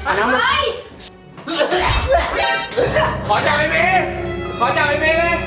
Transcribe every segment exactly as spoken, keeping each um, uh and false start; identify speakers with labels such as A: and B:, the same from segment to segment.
A: น้ำมันขอจับไอ้เมย์ขอจับไอ้เมย์เลย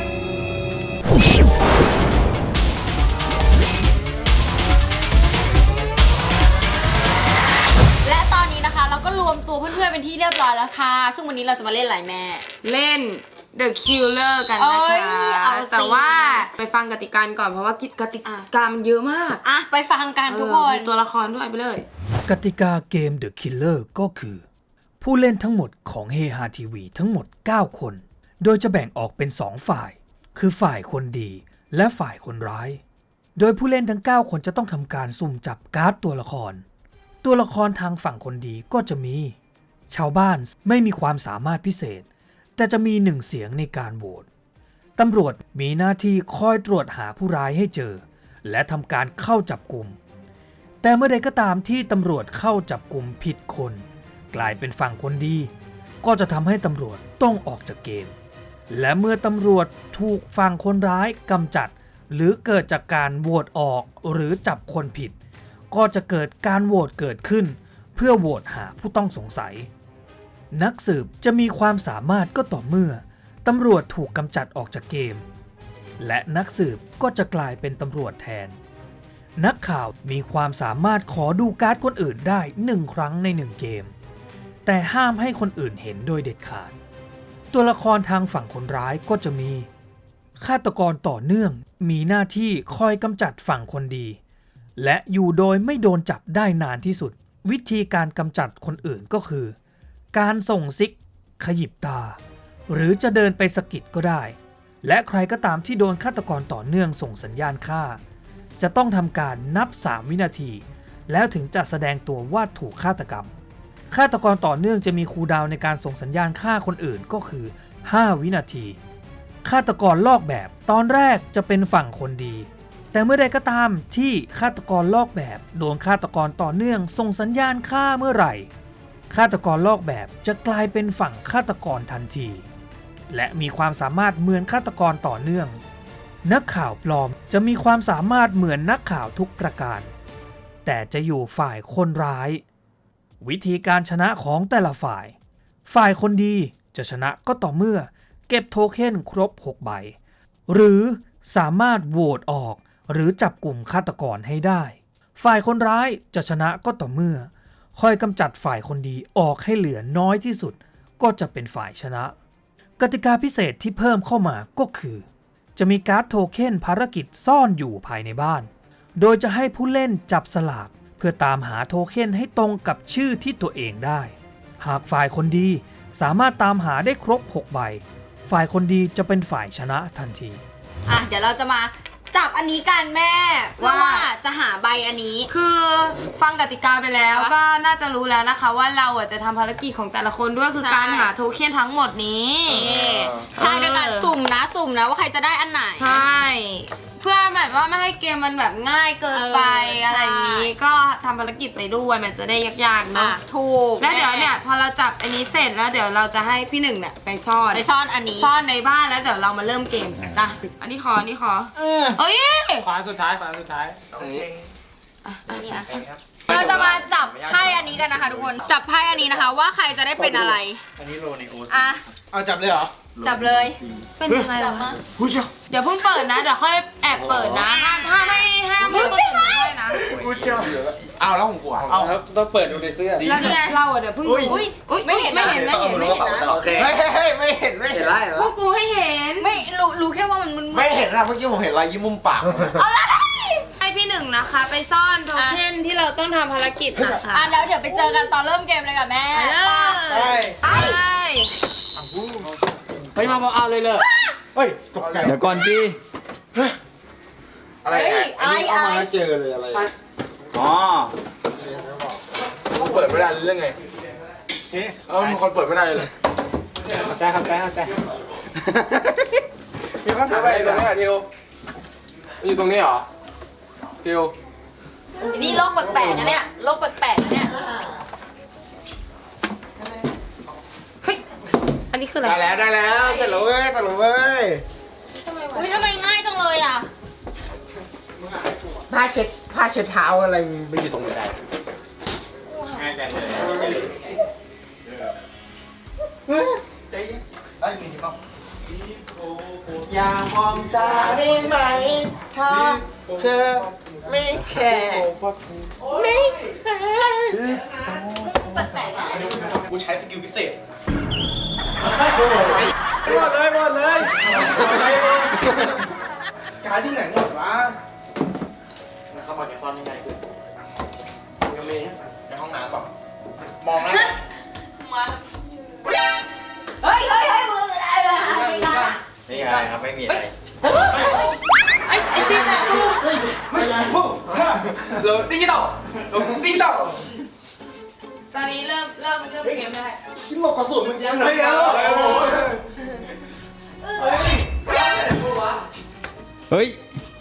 B: และตอนนี้นะคะเราก็รวมตัวเพื่อนๆเป็นที่เรียบร้อยแล้วค่ะซึ่งวันนี้เราจะมาเล่นอะไรแม่
C: เล่น The Killer กันนะคะแต่ว่าไปฟังกติกาก่อนเพราะว่ากติกามันเยอะมาก
B: อ่ะไปฟังกันทุกคน
C: ตัวละครด้วยไปเลย
D: กติกาเกม The Killer ก็คือผู้เล่นทั้งหมดของเฮฮาทีวีทั้งหมดเก้าคนโดยจะแบ่งออกเป็นสองฝ่ายคือฝ่ายคนดีและฝ่ายคนร้ายโดยผู้เล่นทั้งเก้าคนจะต้องทำการสุ่มจับการ์ดตัวละครตัวละครทางฝั่งคนดีก็จะมีชาวบ้านไม่มีความสามารถพิเศษแต่จะมีหนึ่งเสียงในการโหวตตำรวจมีหน้าที่คอยตรวจหาผู้ร้ายให้เจอและทำการเข้าจับกุมแต่เมื่อใดก็ตามที่ตำรวจเข้าจับกุมผิดคนกลายเป็นฝั่งคนดีก็จะทำให้ตำรวจต้องออกจากเกมและเมื่อตำรวจถูกฝั่งคนร้ายกำจัดหรือเกิดจากการโหวตออกหรือจับคนผิดก็จะเกิดการโหวตเกิดขึ้นเพื่อโหวตหาผู้ต้องสงสัยนักสืบจะมีความสามารถก็ต่อเมื่อตำรวจถูกกำจัดออกจากเกมและนักสืบก็จะกลายเป็นตำรวจแทนนักข่าวมีความสามารถขอดูการ์ดคนอื่นได้หนึ่งครั้งในหนึ่งเกมแต่ห้ามให้คนอื่นเห็นโดยเด็ดขาดตัวละครทางฝั่งคนร้ายก็จะมีฆาตกรต่อเนื่องมีหน้าที่คอยกำจัดฝั่งคนดีและอยู่โดยไม่โดนจับได้นานที่สุดวิธีการกำจัดคนอื่นก็คือการส่งซิกขยิบตาหรือจะเดินไปสะกิดก็ได้และใครก็ตามที่โดนฆาตกรต่อเนื่องส่งสัญญาณฆ่าจะต้องทำการนับสามวินาทีแล้วถึงจะแสดงตัวว่าถูกฆาตกรรมฆาตกรต่อเนื่องจะมีคูลดาวน์ในการส่งสัญญาณฆ่าคนอื่นก็คือห้าวินาทีฆาตกรลอกแบบตอนแรกจะเป็นฝั่งคนดีแต่เมื่อใดก็ตามที่ฆาตกรลอกแบบโดนฆาตกรต่อเนื่องส่งสัญญาณฆ่าเมื่อไหร่ฆาตกรลอกแบบจะกลายเป็นฝั่งฆาตกรทันทีและมีความสามารถเหมือนฆาตกรต่อเนื่องนักข่าวปลอมจะมีความสามารถเหมือนนักข่าวทุกประการแต่จะอยู่ฝ่ายคนร้ายวิธีการชนะของแต่ละฝ่ายฝ่ายคนดีจะชนะก็ต่อเมื่อเก็บโทเค็นครบหกใบหรือสามารถโหวตออกหรือจับกลุ่มฆาตกรให้ได้ฝ่ายคนร้ายจะชนะก็ต่อเมื่อคอยกำจัดฝ่ายคนดีออกให้เหลือน้อยที่สุดก็จะเป็นฝ่ายชนะกติกาพิเศษที่เพิ่มเข้ามาก็คือจะมีการ์ดโทเค็นภารกิจซ่อนอยู่ภายในบ้านโดยจะให้ผู้เล่นจับสลากเพื่อตามหาโทเค็นให้ตรงกับชื่อที่ตัวเองได้หากฝ่ายคนดีสามารถตามหาได้ครบหกใบฝ่ายคนดีจะเป็นฝ่ายชนะทันที
B: อ่ะเดี๋ยวเราจะมาจับอันนี้กันแม่ว่าจะหาใบอันนี้
C: คือฟังกติกาไปแล้วก็น่าจะรู้แล้วนะคะว่าเราอ่ะจะทำภารกิจของแต่ละคนด้วยคือการหาโทเค็นทั้งหมดนี้
B: ใช่ด้วยกันสุ่มนะสุ่มนะว่าใครจะได้อันไหน
C: ใช่เพื่อแบบว่าไม่ให้เกมมันแบบง่ายเกินไปอะไรอย่างนี้ก็ทำภารกิจไปด้วยมันจะได้ยากๆเนาะ
B: ถูก
C: แล้วเดี๋ยวเนี่ยพอเราจับอันนี้เสร็จแล้วเดี๋ยวเราจะให้พี่หนึ่งเนี่ยไปซ่อน
B: ไปซ่อนอันนี้
C: ซ่อนในบ้านแล้วเดี๋ยวเรามาเริ่มเกมนะอันนี้ขออันนี้ขอ
B: เออ
C: เฮ้ย
A: ขวาสุดท้ายขวาสุดท้าย
B: โอเคอันนี้นะเราจะมาจับไพ่อันนี้กันนะคะทุกคนจับไพ่อันนี้นะคะว่าใครจะได้เป็นอะไร
A: อันนี้โรนิโอ
B: อ่ะ
A: เอาจับเลยเหรอ
B: จับเลย
C: เป็นยังไงล่ะ
A: ผู้เชี่ยว
C: เดี๋ยวเพิ่งเปิดนะเดี๋ยวค่อยแอบเปิดนะห้ามห้ามไม่ห้ามไม่เปิดได้นะ
A: ผู้เชี่ยวเอาแล้วผมกลัวเอาต้องเปิดดูในเสื้อ
C: แล้วเนี่ยเราเดี๋ยวเพิ่งอุ้ยอุ้ยไม่เห็นไม่เห็นไม่เห็นไม่เห็นนะ
A: โอเคเฮ้ยเฮ้ยไม่เห็นไม่เห็นไรเหรอ
C: พวกกูให้เห็น
B: ไม่รู้รู้แค่ว่ามันมัน
A: ไม่เห็นนะเมื่อกี้ผมเห็นรอยยิ้มมุมปาก
B: เอาละ
C: ให้พี่หนึ่งนะคะไปซ่อนโทเค็นที่เราต้องทำภารกิจนะคะ
B: อ่ะแล้วเดี๋ยวไปเจอกันตอนเริ่มเกมเลยกับแม่
C: ใช่
B: ไป
A: เฮ้ยมาบอกเอาเลยเลยเฮ้ยตกใจเดี๋ยวก่อนดิอะไรอันนี้เอามาเจอเลยอะไรอ๋อเปิดไม่ได้เรื่องไงเออมีคนเปิดไม่ได้เลยเข้าใจเข้าใจเข้าใจเดี๋ยวก็ถ่ายไปตรงนี้อ่ะทิวอยู่ตรงนี้เหรอทิว
B: นี่โลกแปลกๆนะเนี่ยโลกแปลกๆนะเนี่ย
C: อันนี้คืออะไร
A: ได้แล้วได้แล้วเสร็จแล้วเว้ยเสร็จแล้วเว้ย
B: อุ้ยทำไมง่ายจังเลยอ่ะ
A: ผ้าเช็ดผ้าเช็ดเท้าอะไรมันอยู่ตรงไหนได้ง่ายจังเลยใจเย็นได้ยินที่เปล่าอย่ามองตาได้ไหมถ้าเธอไม่แคร์ไม่แคร์
B: แปลกๆนะ
A: กูใช้สกิลพิเศษหมดเลยหมดเลยการที่ไหนหมดวะเข้ามาในซ่อนยังไงคือยังมีในห้องน้ำแบบมองแล้ว
B: มาเฮ้ยเฮ้ยเฮ้ยมืออะไรวะ
A: ไม่มีอะไรครับไม่มีอะไร
C: ไอ้ไอ้ซีแต่ลูก
A: ไม่ใช่พวกเราดิจิตอลเราดิจิตอล
C: ตอนนี้เริ่มเริ่มเริ่มเกมได้
A: ที่หลบกระสุนมึงยังไม่แล้วเฮ้ย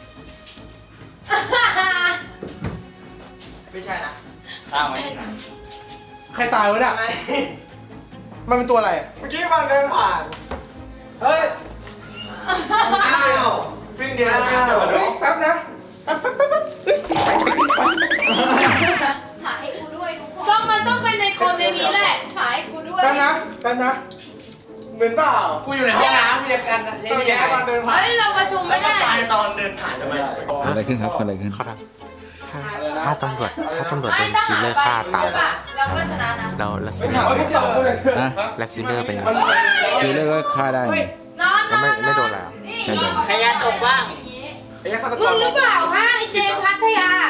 A: ไม่ใช่นะอ้าวไม่ใช่นะใครตายวะเนี่ยมันเป็นตัวอะไรเมื่อกี้มันเดินผ่านเฮ้ยอ้าวฟิ้งเดียวแป๊บนะแป๊บแป๊บแป๊บเฮ้ย
B: หาให้กูด้วยทุกคน
C: ก็มันต้องเป็นในคนในนี้แหละ
B: หาให้กูด้วย
A: แป๊บนะแป๊บนะเหมือนเปล่า
E: กูอยู่ในห้องน้ำมีกันเล่นยังไง
A: มันเดินผ่าน
C: เฮ้ยเราประชุมไม่ได้
A: ตอนเดินผ่านทำไม
F: เกิดอะไรขึ้นครับเกิดอะไรขึ้น
G: ถ้าตำรวจถ้าตำรวจโดนคิลเลอร์ฆ่าตาย
C: เราก็ชนะนะ
G: แล้วแล้ว
A: ไม่ถามไม่ตอบเลย
F: ฮะ
G: แล้วคิลเลอร์เป็นไง
F: คือเลิกก็ฆ่าได้ไง
B: นอนน
G: แล้ว
B: อน
G: ไม่ไม่โดนอะไรอ่ะ
F: ไม่โดน
E: ใครยาตกบ้าง
A: ไอ้ยักษ์ฆาตก
C: มึ
A: รง
C: หรือเปล่าฮะไอ้เจมส์พัทยา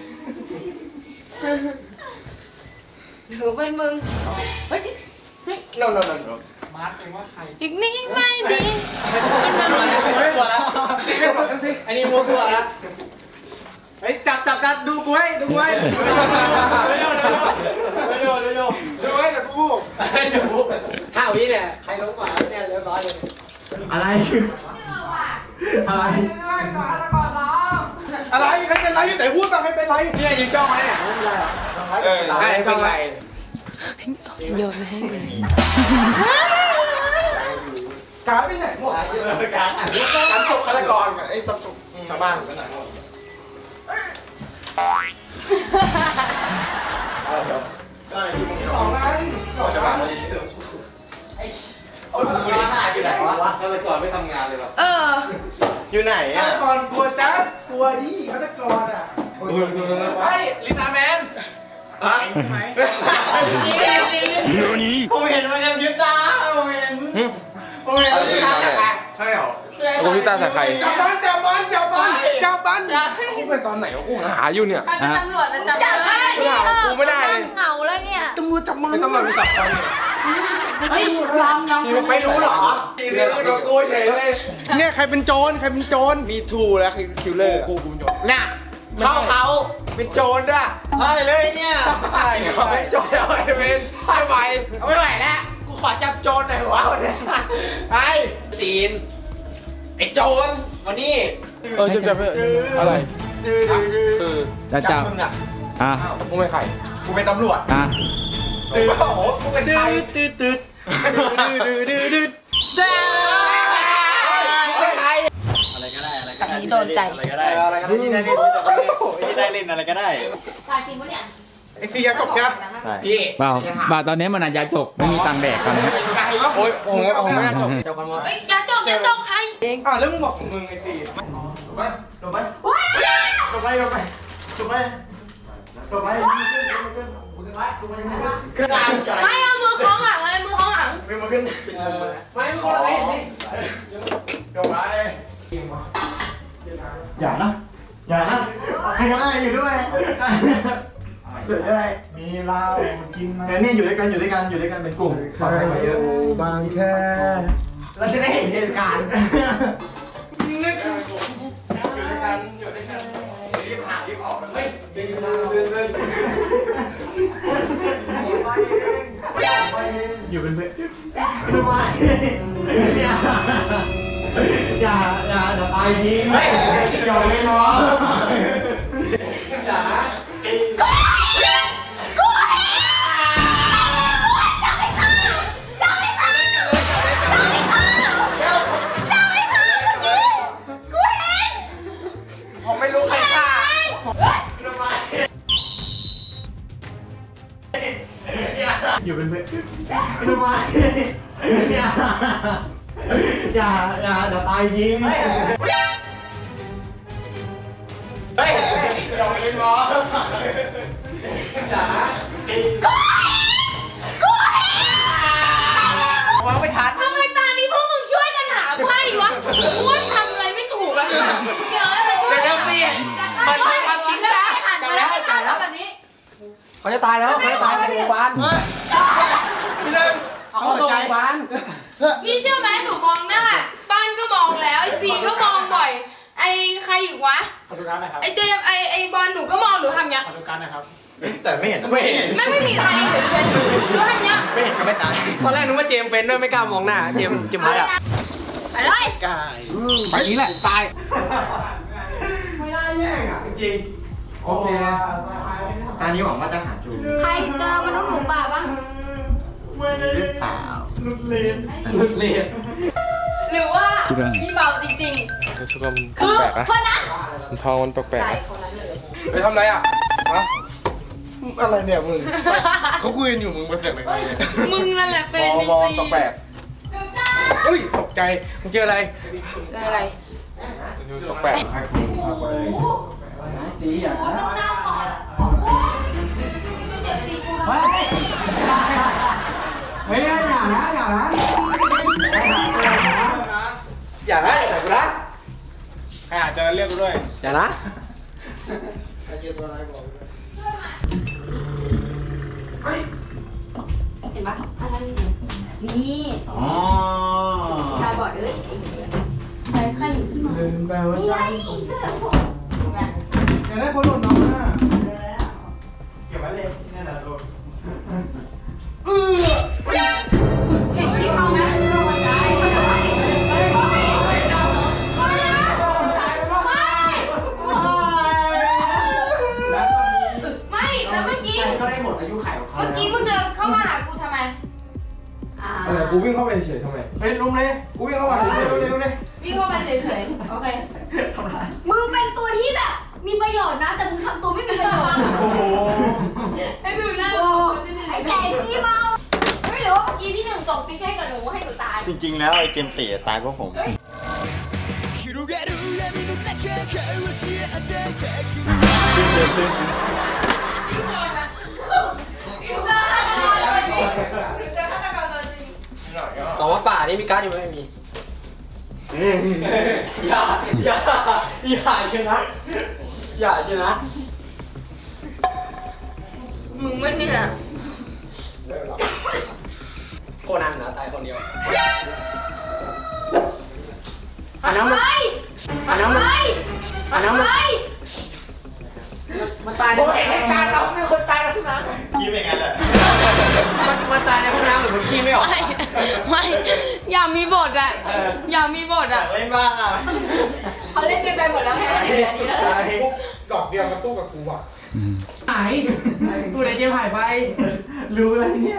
C: หรือเป็นมึง
A: โน่นโน่นโน่น
B: อีกนิดไม่ดี
E: มันมาแล้วไม่กลัวแล้วไม่กลัวแล้วสิอันนี้มัวกลัวแล้วเฮ้ยจับจับจับดูกูไว้ดูกูไว้ไม่โดนไม่โดนไม่โดน
A: ดูให้แต่กู
E: เดี๋ยวห้าวิเนี่ยใครลงมาเนี่ยเรียบร้อยเลย
A: อะไรอะไรอะไรใครเป็นไรแต่พูดมาใครเป็นไรเนี่ยยิงจ้องไหมเนี่ยไม่เป็นไรหรอเออ
E: ใครเป็นไร
A: การไปไหนหมดการการศพฆาตกรไอ้ศพชาวบ้านไปไหนหมดได้ที่มึงสองนั้นชาวบ้านมาดีไอ้โอ้ยมึงนี่หายไปไหนวะฆาตกรไม่ทำงานเลยหรอ
C: เออ
A: อยู่ไหนอ่ะฆาตกรกลัวจัดกลัวดิฆาตกรอ่ะเฮ้ยลิซ่าแมนฮะใช่ไหมผมเห็นมันยังยึดตาผมเห็นผมเห็นมันยึดตาใช่หรอ
H: กูพี่ตาใส่ใคร
A: จับมันจับมันจับมันจับมันกูเป็นตอนไหนวะกูหาอยู่เนี่ย
C: ใครเป็นตำรวจนะจับ
B: จับ
C: เล
B: ให้
C: ย
B: พี่
A: กูไม่ได้เลย
B: เหงาแล้วเนี่ย
A: ตำรวจจับมันไม่ต้องมาเป็นสับคนเนี่ย
C: เฮ้ยยอมยอม
A: ไม่รู้หรอทีนี้ก็โกยเฉยเลยเนี่ยใครเป็นโจรใครเป็นโจรมีทูแล้วคือคิลเลอร์กูกูเป็นโจร
E: น่ะเข้าเขาเป็นโจรด้วย
A: ใช่เลยเนี่ยใช่เป็นโจรเอาไปเป็นไปไป
E: ไม่ไหวแล้วกูขอจับโจรหน่อยวะวันนี้ไอ้ซีนไอ้โจรวันนี้
H: เออจะจะอะไร คือ
F: จะจับ
A: มึงอ่ะ
F: อ่ะ
H: มึงเป็นใคร
A: กูเป็นตำรวจ
F: อ่ะ
A: ตื่นโอ้โหกูเป็นใครตื่นตื่นตื่นตื่นตื่นตื่น
C: อันนี้โดนใจ
A: อะไรก็ได้อะไรก็ได้ที่ได้เล่นที่ได้เล่นอะไรก็ได้
B: ตายจริงปะเนี่ย
A: ไอ้ซียาจบครับ
E: พี่
F: เปล่าบาทตอนนี้มันอาจจะจกไม่มีตังค์แดกตอนนี้
H: โอ้ยโอ้ยโอ้ยไม่น่าจบ
E: เจ้าคนว่า
B: เฮ้ยอย่าจกอย่าจกใคร
A: เองอ่ะแล้วมึงบอกของมึงไอ้ซีจบไปจบไป
B: ว้า
A: จบไปจบไปจบไปจบไป
C: ไม่เอามือคล้องหลังเลยมือคล้องหลัง
A: ไม่มาขึ้น
E: ไม่ไม่คนละเห็นนี่
A: จบไปอย่านะอย่านะใครก็ได้อยู่ด้วยเดี๋ยวได้มีเรากินมาเดี๋ยวนี่อยู่ด้วยกันอยู่ด้วยกันอยู่ด้วยกันเป็นกลุ่มขอให้มาเยอะบางแค่เราจะได้เห็นเหตุการณ์นึกอยู่ด้วยกันอยู่ด้วยกันรีบหารีบออกกันเลยเดินเดินเดินเดินอยู่เป็นเพื่อนทำไมอย่าอย่าอย่าเดี๋ยวตายทีไม่อย่าไม่ร้องอย่า ผมไม่รู้ใครฆ่าทำไมอยู่เป็นเพื่อนทำไมอย่าอย่าเดี๋ยวตายจริงเฮ้ยเราไปเล่นบอลอย่ากูกูวางไม่ทัน
C: ทำไมตานี้พวกมึงช่วยกันหาไพ่วะกูว่าทำอะไรไม่ถูกแล้วเนี่ยเดี๋ยวมาช่วย
A: เดี๋ยวสิมันเป็นความจริงซะ
C: แต่แล้วแต่แล้วแบบนี้
E: เขาจะตายแล้วเขาจะตายในโรงพยาบาล
A: พี่หนึ่ง
E: เอาเข้าโรงพยาบาล
C: พี่เชื่อไหมหนูมองหน้าป้านก็มองแล้วไอซีก็มองบ่อยไอใครอีกวะ
E: ขอดูการหน่อยครับ
C: ไอเจมไอไอบอลหนูก็มองหนูทำเนี้ย
E: ขอดูการหน่อยครับ
A: แต่ไม่เห็น
E: ไม่เห็น
C: ไม่ไม่มีใครเห็นเลยหนูทำเนี้ย
A: ไม่เห็นก็ไม่ตาย
E: ตอนแรกนึกว่าเจมเป็นด้วยไม่กล้ามองหน้า เจมเจมพัดอ่ะ
C: ไปเลย
A: กาย
E: ไปนี้แหละตาย
A: ไม่ได้แย่งอ่ะ
E: จริง
A: โอเคตอนนี้หวังว่าจะหาจู
B: ใครเจอมนุษย์หมูป่าบ้าง
A: หรือเปล่าลุดเลน
E: หลุดเรียน
B: หรือว่าพี่เบาจริง
H: รู้สึกว่ามัน
B: ๆ คือ
H: แปลกๆนะ
B: คนนั้น
H: มันทองมันแปลกๆนะ
E: ไปทำอะไรอ่ะฮะ
H: อะไรเนี่ยมึง เขาคุยกันอยู่มึงมาเสียงอะไรเนี่ย
C: มึงนั่นแหละเป็น
E: ม
C: ดี
E: อง
C: ซี
E: ตกแปลกเฮ้ยตกใจมึงเจออะไร
C: เจออะไร
H: ตกแปลก
A: สีอ่ะ
B: เจ้าก่อนเดี๋ยวจีกู
A: เฮ้ยเฮ้ยอย่านะอย่านะ
E: อย่านะแต่กูนะ
H: ใครอาจจะเรียกกูด้วย
E: อย่านะ
B: เห็นปะอะไรนี่
A: อ๋อ
B: ตาบอดเอ้ยไอ้เหี้ย
C: ใครใครอยู่ที่มา
A: ลืมไปว่า
B: นี่ไงเสื้อผม
A: อยากได้คนหลุดน้องอ่ะเก็บไว้เลยนี่แหละลูก
C: เห็นคลิปเขาไหมไม่แล้วเมื่อกี้
A: ก็ได้หมดอายุไขของเขา
C: เมื่อกี้มึงเดินเข้ามาหากูทำไม
B: อ่า
H: อะไรกูวิ่งเข้าไปเฉยทำไม
A: เฮ้ยลุมเลย
H: กูวิ่งเข้ามาเฉย
A: เร็วเร็วเลย
C: วิ่งเข้ามาเฉยๆ โอเค
B: มึงเป็นตัวที่แบบมีประโยชน์นะ แต่มึงทำตัวไม่มีประโยชน์
A: โอ้โห
C: ให้ดูหน้า
B: โอ้ไอ้แก่ขี้เมาไม่รู้ว่าเมื่อกี้พี่หนึ่งส่งซิกให้กับหนูให้หนูตาย
A: จริงๆแล้วไอ้เกมเตะตายเพราะผม
E: แต่ว่าป่านี่มีการ์ดอยู่ไหมไม่มี อย่า อย่า อย่าเชียวนะ อย่าเชียวนะ
C: มึงมันเนี่ย
E: โคนันนะตายคนเดียวอันนั้นมันอันนั้นมันอันนั้นมันมันตายในเหตุการณ์เราไม่คนตายแล้วใช่ไหม
A: ยิ้มอย่างนั้นแหละ
E: มันมันตายในห้องน้ำหรือมันขี้ไม่ออก
C: ไม่ ไม่ อย่ามีบทอ่ะ อย่ามีบท
A: อยา
C: อ่ะ
A: กเล่นบ้างอ่ะ
B: เขาเล่นกันไปหมดแล้วไงเหลืออันนี้แล้ว
H: ดอกเดียวมาสู้กับกูอ่ะ
E: หายกูไหนเจมหายไป
A: รู้แล้วเนี่ย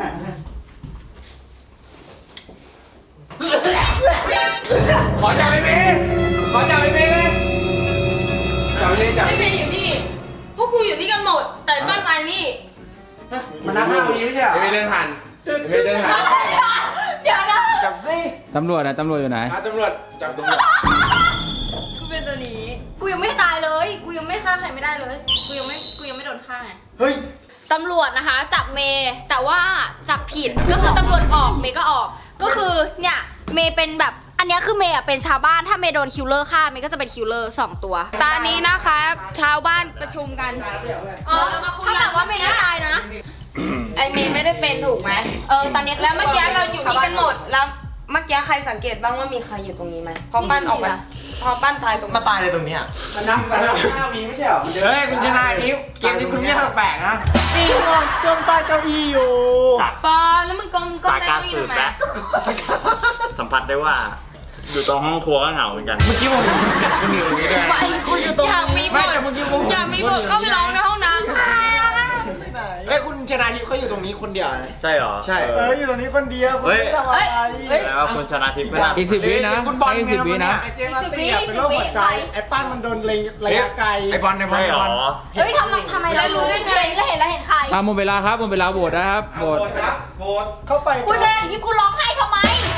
E: ขอจับไอ้เมย์ขอจับไอ้เมย์เลยจับไอ้เมย์จับ
C: ไม่เป็นอยู่นี่ พวกกูอยู่นี่กันหมด แต่บ้านนายนี่
E: มันนับห้าวีไม่ใช่เหรอ
H: ไอ้เมย์เดินผ่านไอ้เมย์เดินผ่าน
B: เดี๋ยวนะ
E: จับสิ
F: ตำรวจนะตำรวจอยู่ไหน
H: มาตำรวจจับตำรวจ
B: กูเป็นตัวนี้ กูยังไม่ตายเลย กูยังไม่ฆ่าใครไม่ได้เลย กูยังไม่ กูยังไม่โดนฆ่าไง
A: เฮ้ย
B: ตำรวจนะคะ จับเมย์แต่ว่าจับผิดก็คือตำรวจออกเมย์ก็ออก ก็คือเนี่ยเมย์เป็นแบบอันเนี้ยคือเมย์อะเป็นชาวบ้านถ้าเมย์โดนคิลเลอร์ฆ่าเมย์ก็จะเป็นคิลเลอร์สองตัว
C: ตอนนี้นะคะ ชาวบ้านประชุมกัน
B: อ๋อถ้าแบบว่าเมย์ไม่ตายนะ
C: ไอเมย์ไม่ได้เป็นถูกไหม
B: เออตอนนี้
C: แล้วเมื่อกี้เราอยู่นี่กันหมด แล้วเมื่อกี้ใครสังเกตบ้างว่ามีใครอยู่ตรงนี้ไหมพอปั้นออกมาพอปั้นตายตรง
A: มาตายเลยตรงเนี้ย
E: มันนับมันนับห้าวีไม่ใช่เหรอ
A: เฮ้ยคุณชนะนิ้วเกมนี้คุณเงียบแปลกนะ
C: จริง
A: จมใต้เก้าอี้อยู่
C: ปอแล้วมึงกลมกลม
I: จากการสืบและสัมผัสได้ว่า อยู่ตรงห้องครัวก็เหงาเหมือนกัน
A: เมื่อกี้ผมมันอยู่ตรงนี้ด้วย
C: ไม่คุณอยู่ตรงอยากมีบ
A: ไม่
C: ท
A: แต่เมื่อกี้ผม
C: อยากมีบทเข้าไปร้องในห้องน้ำ
A: เฮ้ยคุณชนะทิพย์เขาอยู่ตรงนี้คนเดียวนะ
I: ใช่เหรอ
A: ใช่เอออยู่ตรงนี้คนเดียว
I: เฮ้ย
A: ทำอะไร
B: เฮ้ย
I: แล้วาคุณชนะทิพย์ไม่น่า
F: อีกสิบวินะ
A: คุณบอล
F: อีกสิบวินะ
A: ไอ้เจมส์ตีเป็นโรคหัวใจไอ้ป้านมันโดนเล็งระยะไกลไอ้บอลไอ้บอล
I: ใช่เหรอ
B: เฮ้ยทำไมทำไมเรารู้ได้ไงแล้วเห็นแล้วเห็นใคร
F: มาหมดเวลาครับหมดเวลาโหวตนะครับโหวต
A: โหวตเข้าไป
B: กูจะทีกูร้องไห้ทำไม
A: โห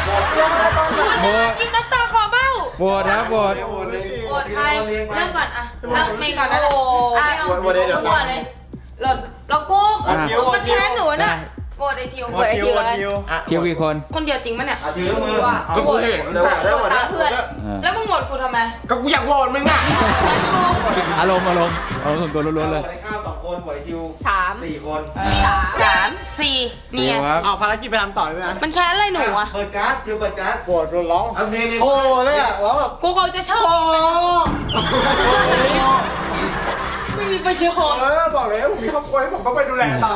F: โหวต
C: กินน้ำตาคอเบ้า
F: โหวตครับโหวต
C: โหวตใครเริ่มก่อนอ่ะเริ่มเมย์ก่อนนะ
B: โอ้
C: อ่ะ
B: ไม่เอา
A: โหวตเดี๋ยว
B: มึงก่อนเลย
C: หลดเรากู
F: อ่ะ
C: มันแค้นหนูน่ะโหวตไอทิว
B: โหวตไอ้ทิวเลย
F: คิวกี่คน
C: คนเดียวจริงปะเนี่ย
A: อาทิวยกมือ
B: โหวต
A: เดี๋ยวเดี๋ยวเดี๋ยว
B: ตามเพื่อน
F: อ่า
C: แล้วมึงโหวตกูทำไม
E: ก็กูอยากโหวตมึงอ่ะ
F: อารมณ์อารมณ์อารมณ์ส่วนตัวล้วนๆเลย
A: ข้าวสองคนหวยทิว
B: สาม
A: สี่คน
B: สาม
C: สามสี่เนี่
F: คิ
C: ยว
F: ครับ
E: เอาภารกิจไปทำต่อเลยนะ
C: มันแค้นอะไรหนูอ่ะ
A: เปิดการ์ดทิวเปิดการ์ด
E: โหวตโดนร้อง
A: เอาเพลงนี้
E: โอ้เลยอ่ะร้องแบบ
C: กูคงจะชอบไม่มีประโยชน์
E: เออบอกเลยผมมีครอบครัวผมต้องไปดูแลต่อ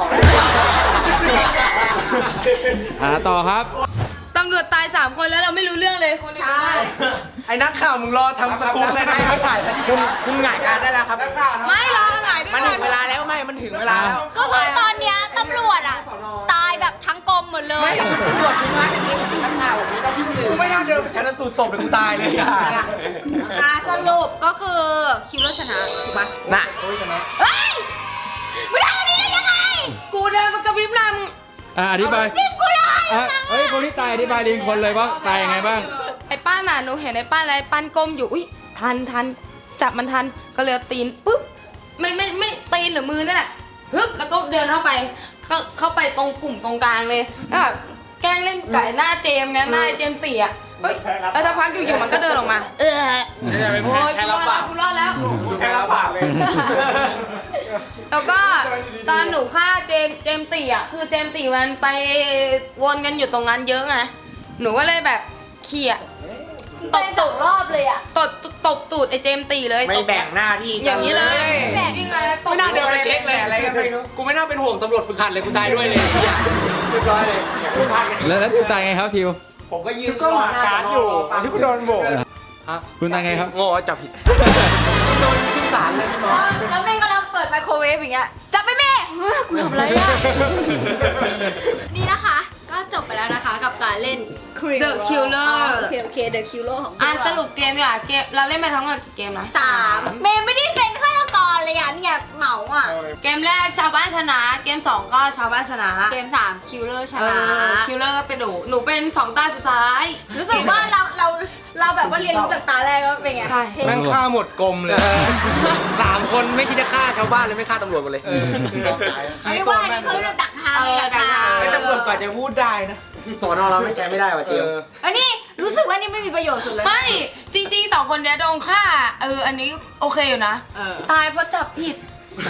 F: อ่าต่อครับ
C: ตำรวจตายสามคนแล้วเราไม่รู้เรื่องเลยคนใช่
E: ไอ้นักข่าวมึงรอทำสกู๊ปเลยนะถ่ายคุณคุณหงายการได้แล้วครับนักข่าว
C: ไม่รอหงายด้วย
E: มันถึงเวลาแล้วไม่มันถึงเวลาแล้ว
B: ก็คือตอนเนี้ยตำรวจอ่ะ ตายแบบทั้งกรมหมดเลย
E: ไม่ตำรวจคุณมาจริงๆนักข่าวผมก็พี่สื่อกูไม่น่าเดินไปชันสูตรศพเลยกูตายเลยอ่ะ
B: อ่ะสรุปก็คือคิวเลอร์ชนะถูกปะ
E: น่ะ
B: เฮ้ยไม่ทำอันนี้ได้ยังไง
C: กูเดินมากระพริบล
F: อ่าอธิบาย
B: จิ้มกูเลย
F: อ่ะเฮ้ยคนที่ตายอธิบายดีคนเลยว่าตายยังไงบ้าง
C: ำไอ้ป้าน่ะหนูเห็นไอ้ป้าอะไรปั้นก้มอยู่อุ้ยทันทันจับมันทันก็เลยเอาตีนปุ๊บไม่ไม่ไม่ตีนหรือมือนั่นแหละฮึบแล้วก็เดินเข้าไปเข้าเข้าไปตรงกลุ่มตรงกลางเลยแล้วแบบแกล้งเล่นไก่หน้าเจมส์ไงหน้าเจมส์เตี่ยเฮ้ยแล้วสักพักอยู่ๆมันก็เดินออกมา เออ
E: เนี่ยเป็น
C: โอ้ย
E: แค่
C: กูร
E: รั
C: อบ ด
E: ปา
C: แล้ว
E: ก
C: กูรอดแล้ว
E: ดูแค่รับปากเลย
C: แล้วก็ตอนหนูฆ่าเจมส์เจมส์ตีอ่ะคือเจมส์ตีมันไปวนกันอยู่ตรงนั้นเยอะไงหนูก็เลยแบบเขี่ยต
B: ต
C: บบ
B: ส
C: ตู
B: อง
C: ด
B: รอบเลยอ่ะ
C: ตบตบตูดไอ้เจมส์ตีเลย
E: ไม่
C: ตบ
E: แบ่งหน้าที่
C: อย่างนี้เลย
B: แบ่ง
C: นี่ไงตบ
E: ไม่น่าเดินไปเช็คเลยอะไรกันไม่รู้กูไม่น่าเป็นห่วงตำรวจฝึกหัดเลยกูตายด้วยเลยเรียบร้อยเลยกูพลาดกัน
F: แล้วแล้วคุณตายไงครับทิว
A: ผมก็ยืน
E: ก็หมาการ์ดอยู่ที่กูโดนโบก
F: คุณตายไงครับ
E: โง่จับผิดโดนขึ้นศาลเลยพี่น้อง
B: แล้วแม่งกำลังเปิดไมโครเวฟอย่างเงี้ยจับไปแม่เฮ้ยกูทำอะไรอ่ะ นี่นะคะ ก็จบไปแล้วนะคะกับการเล่น
C: The Killer
B: โอเคโอเค The Killer ของ
C: อ่ะ
B: พวก
C: ส
B: เรา
C: รุปเกมดีกว่าเกมเราเล่นไปทั้งหมดกี่เกมนะ
B: สามเมย์ไม่ได้เป็นฆาตกรเลยอ่ะเนี่ยเหมาอ่ะ
C: เกมแรกชาวบ้านชนะ เกมสองก็ชาวบ้านชนะ
B: เกมสามคิวเลอร์ช
C: เอ
B: นะ
C: อคิลเลอร์ก็เป็นหนูหนูเป็นสองตาสุดท้าย
B: รู้สึกว่าเราเราเราแบบว่าเรียนรู้จากตาแรกว่าเป็นไง
C: ใช่
B: เท่
E: แม่งฆ่าหมดกลมเลยสามคนไม่คิดจะฆ่าชาวบ้านเลยไม่ฆ่าตำรวจหมดเลย
B: ไม่ว่าอันนี้เขาเรียกดักทาง
C: เออดักทาง
E: ไม่ตำรวจกว่าจะพูดได้นะสอนอเราไม่ใจไม่ได้ว่ะเจม
B: อันนี้รู้สึกว่านี่ไม่มีประโยชน์สุดเลย
C: ไม่จริงๆสองคนเนี้ยโดนฆ่าเอออันนี้โอเคอยู่นะ
B: เออ
C: ตายเพราะจับผิด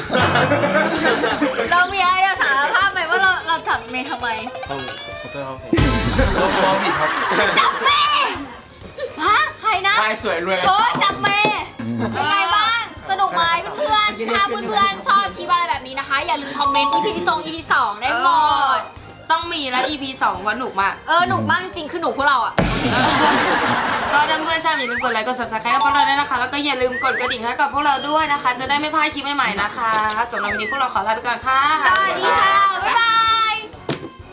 B: เรามีอะไรจะสารภาพไหมว่าเราเราจับเมย์ทำไม
E: มองผิดครับ
B: จับเมย์ฮะใครนะ
E: ตายสวยรวย
B: โอ้ยจับเมย์เป็นไงบ้าง สนุกไหมเพื่อนๆถ้าเพื่อนๆชอบคลิปอะไรแบบนี้นะคะ อย่าลืมคอมเมนต์ อี พี สอง อี พี สองได้หมด
C: ต้องมีแล้ว อี พี สองว่าหนุกมาก
B: เออหนุกมากจริงๆคือหนุกพวกเราอ่ะ
C: ก็ถ้าเพื่อนชอบอย่าลืมกดไลค์กด subscribe กับพวกเราด้วยนะคะ แล้วก็อย่าลืมกดกระดิ่งให้กับพวกเราด้วยนะคะ จะได้ไม่พลาดคลิปใหม่ๆนะคะสำหรับวันนี้พวกเราขอลาไปก่อนค่ะ
B: สวัสดีค่ะ บ๊ายบาย